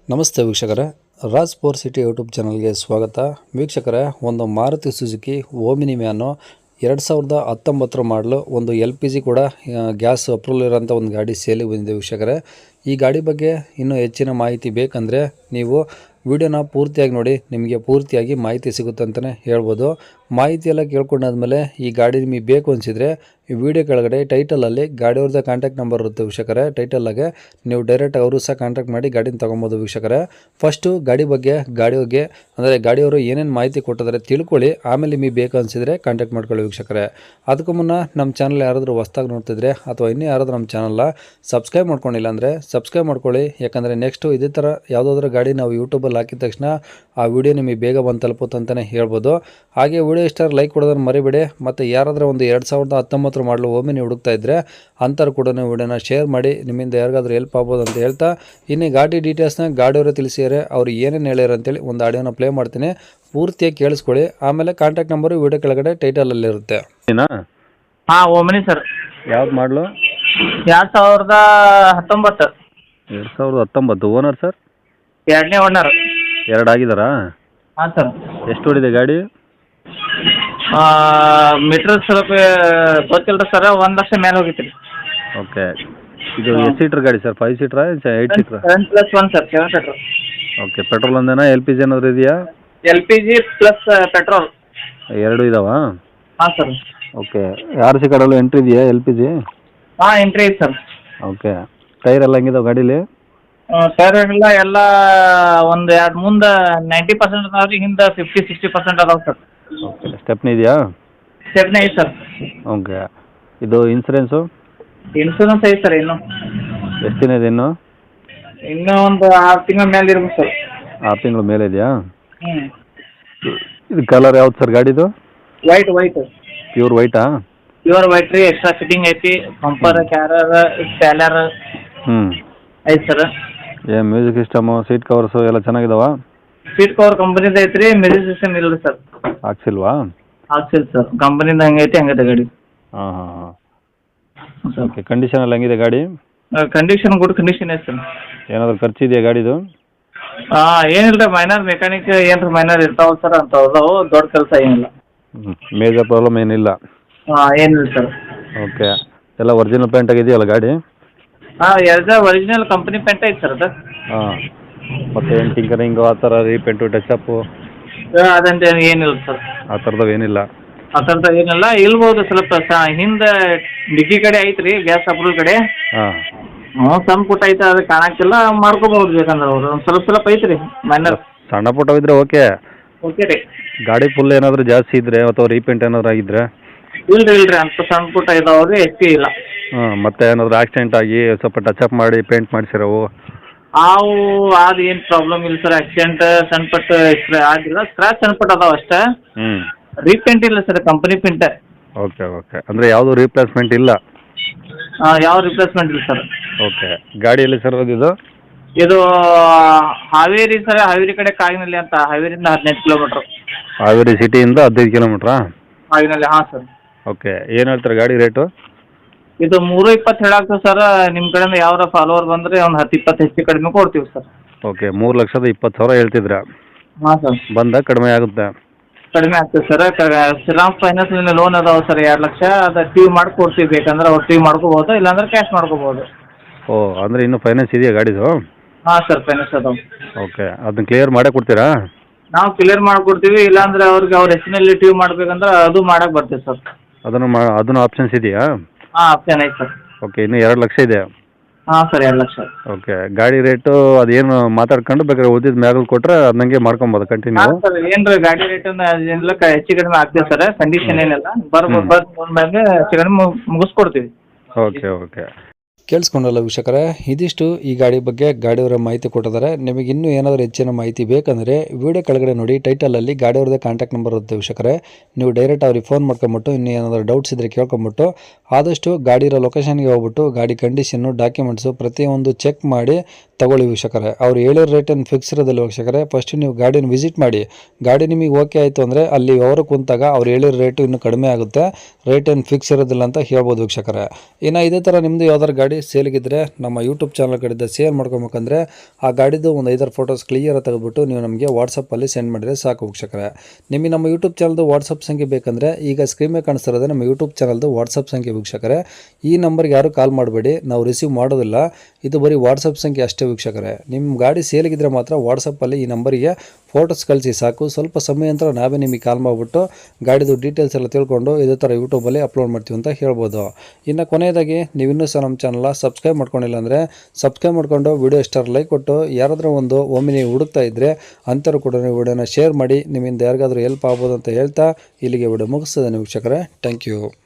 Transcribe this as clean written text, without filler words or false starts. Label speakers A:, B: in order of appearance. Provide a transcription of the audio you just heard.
A: ನಮಸ್ತೆ ವೀಕ್ಷಕರೇ, Raj four city YouTube ಚಾನಲ್ಗೆ ಸ್ವಾಗತ. ವೀಕ್ಷಕರೇ, ಒಂದು ಮಾರುತಿ ಸುಜುಕಿ ಓಮಿನಿ ವ್ಯಾನು 2019 ಮಾಡಲು ಒಂದು LPG ಕೂಡ ಗ್ಯಾಸ್ ಅಪ್ರೂವಲ್ ಇರೋಂಥ ಒಂದು ಗಾಡಿ ಸೇಲಿಗೆ ಬಂದಿದೆ ವೀಕ್ಷಕರೇ. ಈ ಗಾಡಿ ಬಗ್ಗೆ ಇನ್ನೂ ಹೆಚ್ಚಿನ ಮಾಹಿತಿ ಬೇಕಂದರೆ ನೀವು ವಿಡಿಯೋನ ಪೂರ್ತಿಯಾಗಿ ನೋಡಿ, ನಿಮಗೆ ಪೂರ್ತಿಯಾಗಿ ಮಾಹಿತಿ ಸಿಗುತ್ತೆ ಅಂತಲೇ ಹೇಳ್ಬೋದು. ಮಾಹಿತಿ ಎಲ್ಲ ಕೇಳ್ಕೊಂಡಾದ್ಮೇಲೆ ಈ ಗಾಡಿ ನಿಮಗೆ ಬೇಕು ಅನಿಸಿದರೆ ಈ ವಿಡಿಯೋ ಕೆಳಗಡೆ ಟೈಟಲಲ್ಲಿ ಗಾಡಿಯವ್ರದ್ದು ಕಾಂಟ್ಯಾಕ್ಟ್ ನಂಬರ್ ಇರುತ್ತೆ ವೀಕ್ಷಕರೇ. ಟೈಟಲ್ಲಾಗೆ ನೀವು ಡೈರೆಕ್ಟ್ ಅವರು ಸಹ ಕಾಂಟ್ಯಾಕ್ಟ್ ಮಾಡಿ ಗಾಡಿನ ತೊಗೊಬೋದು ವೀಕ್ಷಕರೇ. ಫಸ್ಟು ಗಾಡಿ ಬಗ್ಗೆ ಅಂದರೆ ಗಾಡಿಯವರು ಏನೇನು ಮಾಹಿತಿ ಕೊಟ್ಟಿದ್ದಾರೆ ತಿಳ್ಕೊಳ್ಳಿ, ಆಮೇಲೆ ನಿಮಗೆ ಬೇಕು ಅನಿಸಿದರೆ ಕಾಂಟ್ಯಾಕ್ಟ್ ಮಾಡ್ಕೊಳ್ಳಿ ವೀಕ್ಷಕರೇ. ಅದಕ್ಕೂ ಮುನ್ನ ನಮ್ಮ ಚಾನಲ್ ಯಾರಾದರೂ ಹೊಸ್ದಾಗಿ ನೋಡ್ತಿದ್ರೆ ಅಥವಾ ಇನ್ನೂ ಯಾರಾದರೂ ನಮ್ಮ ಚಾನಲ್ನ ಸಬ್ಸ್ಕ್ರೈಬ್ ಮಾಡ್ಕೊಂಡಿಲ್ಲ ಅಂದರೆ ಸಬ್ಸ್ಕ್ರೈಬ್ ಮಾಡ್ಕೊಳ್ಳಿ. ಯಾಕಂದರೆ ನೆಕ್ಸ್ಟು ಇದೇ ಥರ ಯಾವುದಾದ್ರೂ ಗಾಡಿ ನಾವು ಯೂಟ್ಯೂಬಲ್ಲಿ ಹಾಕಿದ ತಕ್ಷಣ ಆ ವಿಡಿಯೋ ನಿಮಗೆ ಬೇಗ ಬಂದು ತಲುಪುತ್ತೆ ಅಂತಲೇ ಹೇಳ್ಬೋದು. ಹಾಗೆ ವಿಡಿಯೋ ಇಷ್ಟ ಲೈಕ್ ಕೊಡೋದನ್ನು ಮರಿಬೇಡಿ. ಮತ್ತು ಯಾರಾದರೂ ಒಂದು 2019 ಮಾಡಲು ಓಮಿನಿ ಹುಡುಕ್ತಾ ಇದ್ದರೆ ಅಂಥವ್ರು ಕೂಡ ವಿಡಿಯೋನ ಶೇರ್ ಮಾಡಿ, ನಿಮ್ಮಿಂದ ಯಾರಿಗಾದ್ರೂ ಹೆಲ್ಪ್ ಆಗ್ಬೋದು ಅಂತ ಹೇಳ್ತಾ, ಇನ್ನು ಗಾಡಿ ಡೀಟೇಲ್ಸ್ನ ಗಾಡಿಯವರೇ ತಿಳಿಸಿದ್ದಾರೆ. ಅವ್ರು ಏನೇನು ಹೇಳ್ಯಾರ ಅಂತೇಳಿ ಒಂದು ಆಡಿಯೋನ ಪ್ಲೇ ಮಾಡ್ತೀನಿ, ಪೂರ್ತಿಯಾಗಿ ಕೇಳಿಸ್ಕೊಳ್ಳಿ. ಆಮೇಲೆ ಕಾಂಟ್ಯಾಕ್ಟ್ ನಂಬರು ವಿಡಿಯೋ ಕೆಳಗಡೆ ಟೈಟಲಲ್ಲಿರುತ್ತೆ.
B: ಹಾಂ, ಓಮಿನಿ ಸರ್.
A: ಯಾವ್ದು ಮಾಡಲು?
B: 2019.
A: 2019. Owner sir?
B: ಎರಡನೇ ಓನರ್.
A: ಎರಡು ಆಗಿದ್ದಾರಾ?
B: ಹಾಂ ಸರ್.
A: ಎಷ್ಟು ಓಡಿದೆ ಗಾಡಿ?
B: ಮೀಟ್ರ್ ಸ್ವಲ್ಪ ಗೊತ್ತಿಲ್ಲ ಸರ್, 1 ಲಕ್ಷ ಮೇಲೆ ಹೋಗಿತ್ತು ರೀ.
A: ಓಕೆ. ಇದು ಎಷ್ಟು ಸೀಟ್ರ್ ಗಾಡಿ ಸರ್? 5 ಸೀಟ್ರಾ 8 ಸೀಟ್ರಾ?
B: 7+1 ಸರ್, 7 ಪೆಟ್ರೋಲ್.
A: ಓಕೆ. ಪೆಟ್ರೋಲ್ ಒಂದೇನಾ, LPG ಏನಾದರೂ ಇದೆಯಾ?
B: LPG ಪ್ಲಸ್ ಪೆಟ್ರೋಲ್
A: ಎರಡು ಇದಾವಾ?
B: ಹಾಂ ಸರ್.
A: ಓಕೆ. RC ಕಾರ್ಡಲ್ಲೂ ಎಂಟ್ರಿ ಇದೆಯಾ LPG?
B: ಹಾಂ, ಎಂಟ್ರಿ ಐತೆ ಸರ್.
A: ಓಕೆ. ಟೈರ್ ಎಲ್ಲ ಹೆಂಗಿದಾವೆ ಗಾಡೀಲಿ?
B: ಟೈರ್ ಎಲ್ಲ ಒಂದು ಎರಡು ಮುಂದೆ 90% ಅದಾವೆ ರೀ, ಹಿಂದೆ 50-60% ಅದಾವೆ ಸರ್.
A: ಓಕೆ. ಸ್ಟೆಪ್ನಿ ಇದೆಯಾ?
B: ಸ್ಟೆಪ್ನಿ ಐತೆ ಸರ್.
A: ಓಕೆ. ಇದು ಇನ್ಸೂರೆನ್ಸು
B: ಇನ್ಶೂರೆನ್ಸ್ ಐತೆ ಸರ್.
A: ಎಷ್ಟು ದಿನ ಇದೆ
B: ಇನ್ನೂ ಒಂದು 6 ತಿಂಗಳ ಮೇಲೆ ಇರ್ಬೇಕು ಸರ್.
A: 6 ತಿಂಗಳ ಮೇಲೆ ಇದೆಯಾ?
B: ಹ್ಞೂ.
A: ಇದು ಕಲರ್ ಯಾವ್ದು ಸರ್ ಗಾಡಿದು?
B: ವೈಟ್.
A: ಪ್ಯೂರ್ ವೈಟಾ?
B: ಪ್ಯೂರ್ ವೈಟ್ ರೀ. ಎಕ್ಸ್ಟ್ರಾ ಫಿಟ್ಟಿಂಗ್ ಐತಿ. ಬಂಪರ್, ಕ್ಯಾರರ್, ಸ್ಪ್ಯಾಲರ್ ಐತೆ ಸರ್.
A: ಏನು ಮ್ಯೂಸಿಕ್ ಸಿಸ್ಟಮು, ಸೀಟ್ ಕವರ್ಸು ಎಲ್ಲ ಚೆನ್ನಾಗಿದಾವ?
B: ಸೀಟ್ ಕವರ್ ಕಂಪನಿದು ಐತೆ ರೀ. ಮ್ಯೂಸಿಕ್ ಸಿಸ್ಟಮ್ ಇಲ್ಲ ಸರ್.
A: ಹಾಕ್ಸಿಲ್ವಾ?
B: ಹಾಕ್ಸಿಲ್ಲ ಸರ್. ಕಂಪನಿದು ಹಂಗೈತೆ ಗಾಡಿ.
A: ಹಾಂ. ಓಕೆ. ಕಂಡೀಷನ್ ಎಲ್ಲ ಹೆಂಗಿದೆ ಗಾಡಿ?
B: ಕಂಡೀಷನ್ ಗುಡ್ ಕಂಡೀಷನ್ ಐತೆ ಸರ್.
A: ಏನಾದರೂ ಖರ್ಚಿದೆಯಾ ಗಾಡಿದು?
B: ಏನಿಲ್ಲ ರೀ, ಮೈನರ್ ಮೆಕ್ಯಾನಿಕ್ ಏನ್ರಿ ಮೈನರ್ ಇರ್ತಾವಲ್ಲ ಸರ್, ಅಂಥವು ದೊಡ್ಡ ಕೆಲಸ ಏನಿಲ್ಲ.
A: ಮೇಜರ್ ಪ್ರಾಬ್ಲಮ್ ಏನಿಲ್ಲ?
B: ಏನಿಲ್ಲ ಸರ್.
A: ಓಕೆ. ಎಲ್ಲ ಒರಿಜಿನಲ್ ಪೇಂಟ್ ಆಗಿದೆಯಲ್ಲ ಗಾಡಿ?
B: ಎರಡು ಒರಿಜಿನಲ್ ಕಂಪನಿ ಪೇಂಟ್ ಐತೆ ಸರ್ ಅದು.
A: ಹಾಂ. ಮತ್ತು ಏನು ಟಿಂಕರಿಂಗು ಆ ಥರ ರೀಪೇಂಟು ಟಚಪ್ಪು
B: ಅದಂತ ಏನಿಲ್ಲ ಸರ್.
A: ಆ ಥರದ್ದು ಏನಿಲ್ಲ?
B: ಆ ಥರದ್ದು ಏನಿಲ್ಲ. ಇಲ್ಬೋದು ಸ್ವಲ್ಪ ಹಿಂದೆ ಡಿಕ್ಕಿ ಕಡೆ ಐತೆ ರೀ, ಗ್ಯಾಸ್ ಅಪ್ರೂವಲ್ ಕಡೆ.
A: ಹಾಂ.
B: ಸಣ್ಣ ಪುಟ್ಟ ಐತೆ, ಅದು ಕಾಣಕ್ಕಿಲ್ಲ. ಮಾಡ್ಕೋಬಹುದು ಬೇಕಂದ್ರೆ ಅವರು ಒಂದು ಸ್ವಲ್ಪ ಐತೆ ರೀ ಮೈನರ್.
A: ಸಣ್ಣ ಪುಟ್ಟವಿದ್ರೆ ಓಕೆ.
B: ಓಕೆ ರೀ.
A: ಗಾಡಿ ಫುಲ್ ಏನಾದರೂ ಜಾಸ್ತಿ ಇದ್ದರೆ ಅಥವಾ ರೀಪೇಂಟ್ ಏನಾದರೂ ಆಗಿದ್ರೆ?
B: ಇಲ್ರಿ ಅಂತ ಸಣ್ಣ ಪುಟ್ಟ ಇದಾವ್ರಿ, ಹೆಚ್ಚು ಇಲ್ಲ.
A: ಹಾಂ. ಮತ್ತೆ ಏನಾದರೂ ಆಕ್ಸಿಡೆಂಟ್ ಆಗಿ ಸ್ವಲ್ಪ ಟಚಪ್ ಮಾಡಿ ಪೇಂಟ್ ಮಾಡಿಸಿರವು
B: ಅದು ಏನು ಪ್ರಾಬ್ಲಮ್ ಇಲ್ಲ ಸರ್. ಆಕ್ಸಿಡೆಂಟ್ ಸಣ್ಣ ಪಟ್ಟ ಆಗಿಲ್ಲ, ಸ್ಕ್ರಾಚ್ ಸಣ್ಣ ಪಟ್ಟ ಅದಾವ ಅಷ್ಟೇ. ರೀಪೇಂಟ್ ಇಲ್ಲ ಸರ್, ಕಂಪನಿ ಪೇಂಟ್.
A: ಓಕೆ. ಅಂದರೆ ಯಾವುದು ರೀಪ್ಲೇಸ್ಮೆಂಟ್ ಇಲ್ಲ?
B: ಯಾವ ರಿಪ್ಲೇಸ್ಮೆಂಟ್ ಇಲ್ಲ ಸರ್.
A: ಓಕೆ. ಗಾಡಿ ಎಲ್ಲಿ ಸರ್ ಇದು?
B: ಇದು ಹಾವೇರಿ ಸರ್. ಹಾವೇರಿ ಕಡೆ ಕಾಗಿನಲ್ಲಿ ಅಂತ. ಹಾವೇರಿಯಿಂದ 15 ಕಿಲೋಮೀಟ್ರ್.
A: ಹಾವೇರಿ ಸಿಟಿಯಿಂದ 15 ಕಿಲೋಮೀಟ್ರಾ?
B: ಕಾಗಿನಲ್ಲಿ. ಹಾಂ ಸರ್.
A: ಓಕೆ. ಏನು ಹೇಳ್ತಾರೆ ಗಾಡಿ ರೇಟು?
B: ಇದು 320 ಹೇಳಾಗ್ತದೆ ಸರ್. ನಿಮ್ಮ ಕಡೆಯಿಂದ ಯಾವ್ದಾರ ಫಾಲೋವರ್ ಬಂದರೆ ಒಂದು 10-20 ಹೆಚ್ಚು ಕಡಿಮೆ ಕೊಡ್ತೀವಿ ಸರ್.
A: ಓಕೆ. 3,20,000 ಹೇಳ್ತಿದ್ರಾ?
B: ಹಾಂ ಸರ್.
A: ಬಂದ ಕಡಿಮೆ ಆಗುತ್ತೆ?
B: ಕಡಿಮೆ ಆಗ್ತದೆ ಸರ್. ಶ್ರೀರಾಮ್ ಫೈನಾನ್ಸ್ ಲೋನ್ ಅದಾವೆ ಸರ್ 2 ಲಕ್ಷ. ಅದು ಟ್ಯೂ ಮಾಡ್ಕೊಡ್ತೀವಿ, ಬೇಕಂದ್ರೆ ಅವ್ರು ಟ್ಯೂ ಮಾಡ್ಕೋಬೋದು, ಇಲ್ಲಾಂದ್ರೆ ಕ್ಯಾಶ್ ಮಾಡ್ಕೋಬೋದು.
A: ಓ, ಅಂದರೆ ಇನ್ನೂ ಫೈನಾನ್ಸ್ ಇದೆಯಾ ಗಾಡಿದು?
B: ಹಾಂ ಸರ್, ಫೈನಾನ್ಸ್ ಅದಾವೆ.
A: ಓಕೆ. ಅದನ್ನ ಕ್ಲಿಯರ್ ಮಾಡೇ ಕೊಡ್ತೀರಾ?
B: ನಾವು ಕ್ಲಿಯರ್ ಮಾಡ್ಕೊಡ್ತೀವಿ, ಇಲ್ಲಾಂದ್ರೆ ಅವ್ರಿಗೆ ಅವ್ರ ಹೆಸರಿನಲ್ಲಿ ಟ್ಯೂ ಮಾಡ್ಬೇಕಂದ್ರೆ ಅದು ಮಾಡಕ್ಕೆ ಬರ್ತೀವಿ ಸರ್.
A: ಅದನ್ನು ಆಪ್ಷನ್ಸ್ ಇದೆಯಾ?
B: ಹಾಂ, ಆಪ್ಷನ್ ಐತೆ ಸರ್.
A: ಓಕೆ. ಇನ್ನೂ 2 ಲಕ್ಷ ಇದೆ?
B: ಹಾಂ ಸರ್, 2 ಲಕ್ಷ.
A: ಓಕೆ. ಗಾಡಿ ರೇಟು ಅದೇನು ಮಾತಾಡ್ಕೊಂಡು ಬೇಕಾದ್ರೆ ಉಳಿದಿದ್ದು ಮ್ಯಾಗಲ್ ಕೊಟ್ಟರೆ ಅದನ್ನಂಗೆ ಮಾಡ್ಕೊಬೋದು ಕಂಟಿನ್ಯೂ?
B: ಹಾಂ ಸರ್. ಏನು ರೀ ಗಾಡಿ ರೇಟ್ ಏನಿಲ್ಲ, ಹೆಚ್ಚು ಕಡಿಮೆ ಆಗ್ತೀವಿ ಸರ್. ಕಂಡೀಷನ್ ಏನಿಲ್ಲ. ಬರ್ಬೋದು ಮ್ಯಾಗೆ ಹೆಚ್ಚು ಕಡಿಮೆ ಮುಗಿಸ್ಕೊಡ್ತೀವಿ.
A: ಓಕೆ. ಕೇಳಿಸ್ಕೊಂಡಲ್ಲ ವೀಕ್ಷಕರೇ, ಇದಿಷ್ಟು ಈ ಗಾಡಿ ಬಗ್ಗೆ ಗಾಡಿಯವರ ಮಾಹಿತಿ ಕೊಟ್ಟಿದ್ದಾರೆ. ನಿಮಗೆ ಇನ್ನೂ ಏನಾದರೂ ಹೆಚ್ಚಿನ ಮಾಹಿತಿ ಬೇಕಂದರೆ ವಿಡಿಯೋ ಕೆಳಗಡೆ ನೋಡಿ ಟೈಟಲಲ್ಲಿ ಗಾಡಿಯವ್ರದ್ದೇ ಕಾಂಟ್ಯಾಕ್ಟ್ ನಂಬರ್ ಇರುತ್ತೆ ವೀಕ್ಷಕರೇ. ನೀವು ಡೈರೆಕ್ಟ್ ಅವ್ರಿಗೆ ಫೋನ್ ಮಾಡ್ಕೊಂಬಿಟ್ಟು ಇನ್ನೂ ಏನಾದರೂ ಡೌಟ್ಸ್ ಇದ್ದರೆ ಕೇಳ್ಕೊಂಬಿಟ್ಟು ಆದಷ್ಟು ಗಾಡಿ ಇರೋ ಲೊಕೇಶನ್ಗೆ ಹೋಗ್ಬಿಟ್ಟು ಗಾಡಿ ಕಂಡೀಷನ್ನು, ಡಾಕ್ಯುಮೆಂಟ್ಸು ಪ್ರತಿಯೊಂದು ಚೆಕ್ ಮಾಡಿ ತಗೊಳ್ಳಿ ವೀಕ್ಷಕರೇ. ಅವ್ರು ಹೇಳಿರೋ ರೇಟ್ ಏನು ಫಿಕ್ಸ್ ಇರೋದಿಲ್ಲ ವೀಕ್ಷಕರೇ. ಫಸ್ಟ್ ನೀವು ಗಾಡಿನ ವಿಸಿಟ್ ಮಾಡಿ. ಗಾಡಿ ನಿಮಗೆ ಓಕೆ ಆಯಿತು ಅಂದರೆ ಅಲ್ಲಿ ಅವರು ಕುಂತಾಗ ಅವ್ರು ಹೇಳಿರೋ ರೇಟು ಇನ್ನೂ ಕಡಿಮೆ ಆಗುತ್ತೆ. ರೇಟ್ ಏನು ಫಿಕ್ಸ್ ಇರೋದಿಲ್ಲ ಅಂತ ಹೇಳ್ಬೋದು ವೀಕ್ಷಕರೇ. ಇನ್ನು ಇದೇ ಥರ ನಿಮ್ಮದು ಯಾವ್ದಾರು ಗಾಡಿ ಗಾಡಿ ಸೇಲ್ಗಿದ್ರೆ ನಮ್ಮ ಯೂಟ್ಯೂಬ್ ಚಾನಲ್ ಕಡೆಯಿಂದ ಸೇಲ್ ಮಾಡ್ಕೊಬೇಕಂದ್ರೆ ಆ ಗಾಡಿದು ಒಂದು 5 ಫೋಟೋಸ್ ಕ್ಲಿಯರ್ ತೆಗೆದುಬಿಟ್ಟು ನೀವು ನಮಗೆ ವಾಟ್ಸಪ್ಪಲ್ಲಿ ಸೆಂಡ್ ಮಾಡಿದರೆ ಸಾಕು ವೀಕ್ಷಕರೇ. ನಿಮಗೆ ನಮ್ಮ ಯೂಟ್ಯೂಬ್ ಚಾನಲ್ದು ವಾಟ್ಸಪ್ ಸಂಖ್ಯೆ ಬೇಕಂದರೆ ಈಗ ಸ್ಕ್ರೀನ್ ಮೇಲೆ ಕಾಣಿಸ್ತಿರೋದು ನಮ್ಮ ಯೂಟ್ಯೂಬ್ ಚಾನಲ್ದು ವಾಟ್ಸಪ್ ಸಂಖ್ಯೆ ವೀಕ್ಷಕರೇ. ಈ ನಂಬರ್ಗೆ ಯಾರು ಕಾಲ್ ಮಾಡಬೇಡಿ, ನಾವು ರಿಸೀವ್ ಮಾಡೋದಿಲ್ಲ, ಇದು ಬರೀ ವಾಟ್ಸಪ್ ಸಂಖ್ಯೆ ಅಷ್ಟೇ ವೀಕ್ಷಕರೇ. ನಿಮ್ಮ ಗಾಡಿ ಸೇಲ್ಗಿದ್ರೆ ಮಾತ್ರ ವಾಟ್ಸಪ್ಪಲ್ಲಿ ಈ ನಂಬರಿಗೆ ಫೋಟೋಸ್ ಕಳಿಸಿ ಸಾಕು. ಸ್ವಲ್ಪ ಸಮಯ ನಂತರ ನಾವೇ ನಿಮಗೆ ಕಾಲ್ ಮಾಡಿಬಿಟ್ಟು ಗಾಡಿದು ಡೀಟೇಲ್ಸ್ ಎಲ್ಲ ತಿಳ್ಕೊಂಡು ಇದೇ ಥರ ಯೂಟ್ಯೂಬಲ್ಲಿ ಅಪ್ಲೋಡ್ ಮಾಡ್ತೀವಿ ಅಂತ ಹೇಳ್ಬೋದು. ಇನ್ನು ಕೊನೆಯದಾಗಿ ನೀವು ಇನ್ನೂ ಸಹ ನಮ್ಮ ಚಾನಲ್ನ ಸಬ್ಸ್ಕ್ರೈಬ್ ಮಾಡ್ಕೊಂಡಿಲ್ಲ ಅಂದರೆ ಸಬ್ಸ್ಕ್ರೈಬ್ ಮಾಡ್ಕೊಂಡು ವಿಡಿಯೋ ಇಷ್ಟ ಲೈಕ್ ಕೊಟ್ಟು ಯಾರಾದರೂ ಒಂದು ಒಮ್ಮೆ ನೀವು ಹುಡುಕ್ತಾ ಇದ್ದರೆ ಅಂಥವ್ರು ಕೂಡ ನೀವು ವಿಡಿಯೋನ ಶೇರ್ ಮಾಡಿ, ನಿಮ್ಮಿಂದ ಯಾರಿಗಾದರೂ ಹೆಲ್ಪ್ ಆಗ್ಬೋದು ಅಂತ ಹೇಳ್ತಾ ಇಲ್ಲಿಗೆ ವಿಡಿಯೋ ಮುಗಿಸ್ತದೆ ವೀಕ್ಷಕರೇ. Thank you.